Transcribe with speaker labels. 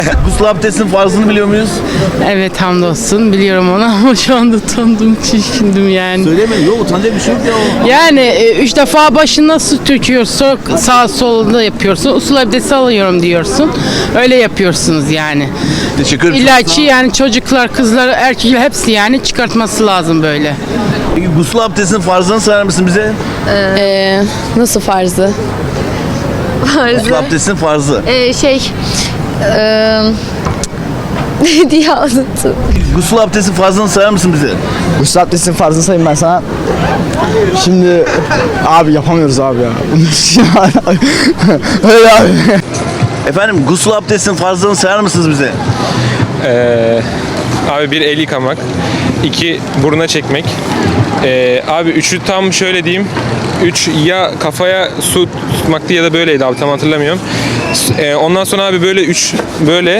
Speaker 1: Gusül abdestinin farzını biliyor muyuz?
Speaker 2: Evet hamdolsun biliyorum onu ama şu anda utandım, çirkindim yani.
Speaker 1: Söylemeyin. Yok utanacak bir şey yok ya o.
Speaker 2: Yani 3 defa başına su döküyorsun, sağ solunda yapıyorsun, usul abdesti alıyorum diyorsun. Öyle yapıyorsunuz yani.
Speaker 1: Teşekkür ederim.
Speaker 2: İlaçı yani çocuklar, kızlar, erkekler hepsi yani çıkartması lazım böyle.
Speaker 1: Peki gusül abdestinin farzını sayar mısın bize?
Speaker 3: Nasıl farzı?
Speaker 1: Gusül abdestinin farzı.
Speaker 3: Ne diye anlattım?
Speaker 1: Gusül abdestinin farzını sayar mısın bize?
Speaker 4: Gusül abdestinin farzını sayayım ben sana. Şimdi abi yapamıyoruz abi ya. Öyle abi.
Speaker 1: Efendim gusül abdestinin farzını sayar mısınız bize?
Speaker 5: Abi bir el yıkamak, 2 buruna çekmek. Abi 3'ü tam şöyle diyeyim. 3 ya kafaya su tutmaktı ya da böyleydi abi tam hatırlamıyorum. Ondan sonra abi böyle 3 böyle